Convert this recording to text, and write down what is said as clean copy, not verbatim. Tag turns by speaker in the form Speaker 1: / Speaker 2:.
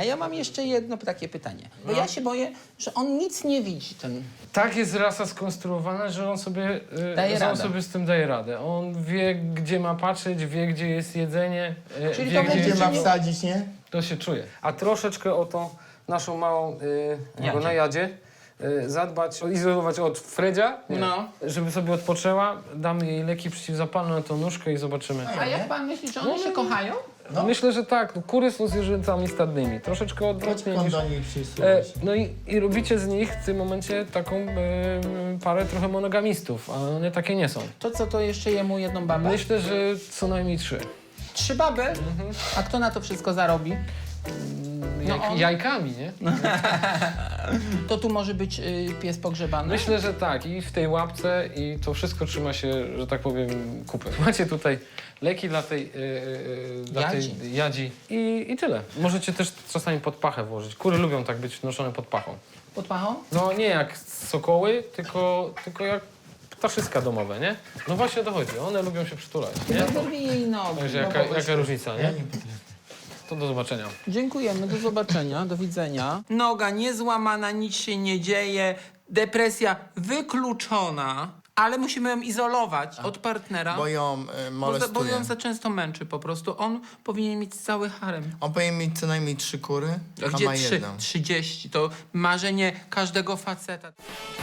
Speaker 1: A ja mam jeszcze jedno takie pytanie. Bo ja się boję, że on nic nie widzi, ten...
Speaker 2: Tak jest rasa skonstruowana, że on sobie, z tym daje radę. On wie, gdzie ma patrzeć, wie, gdzie jest jedzenie,
Speaker 1: Czyli
Speaker 2: wie,
Speaker 1: to
Speaker 2: gdzie
Speaker 1: będzie
Speaker 3: Gdzie ma
Speaker 1: nie-
Speaker 3: wsadzić, nie?
Speaker 2: to się czuje. A troszeczkę o tą naszą małą
Speaker 1: Jadzie.
Speaker 2: na jadzie zadbać, izolować od Fredzia, nie?
Speaker 1: No.
Speaker 2: Żeby sobie odpoczęła, damy jej leki przeciwzapalne na tą nóżkę i zobaczymy.
Speaker 1: A jak pan myśli, że one się kochają?
Speaker 3: No.
Speaker 2: Myślę, że tak. No, kury są zwierzętami stadnymi. Troszeczkę odwrotnie niż...
Speaker 3: do niej przysuwać.
Speaker 2: No i robicie z nich w tym momencie taką parę trochę monogamistów, a one takie nie są.
Speaker 1: To co, to jeszcze jemu jedną babę?
Speaker 2: Myślę, że co najmniej 3.
Speaker 1: 3 baby? A kto na to wszystko zarobi? on?
Speaker 2: Jajkami, nie?
Speaker 1: To tu może być pies pogrzebany?
Speaker 2: Myślę, że tak. I w tej łapce i to wszystko trzyma się, że tak powiem, kupy. Macie tutaj leki dla tej jadzi i tyle. Możecie też czasami pod pachę włożyć. Kury lubią tak być noszone pod pachą.
Speaker 1: Pod pachą?
Speaker 2: No nie jak sokoły, tylko jak ptaszyska domowe, nie? No właśnie o to chodzi. One lubią się przytulać, nie?
Speaker 1: Zerwij jej nogi.
Speaker 2: Także jaka różnica, nie?
Speaker 3: Ja nie potrafię.
Speaker 2: To do zobaczenia.
Speaker 1: Dziękujemy, do zobaczenia, do widzenia. Noga niezłamana, nic się nie dzieje, depresja wykluczona, ale musimy ją izolować od partnera.
Speaker 3: Bo ją
Speaker 1: Bo
Speaker 3: molestuje.
Speaker 1: ją za często męczy po prostu. On powinien mieć cały harem.
Speaker 3: On powinien mieć co najmniej 3 kury,
Speaker 1: A
Speaker 3: a
Speaker 1: gdzie
Speaker 3: ma
Speaker 1: 3?
Speaker 3: jedną.
Speaker 1: 30. To marzenie każdego faceta.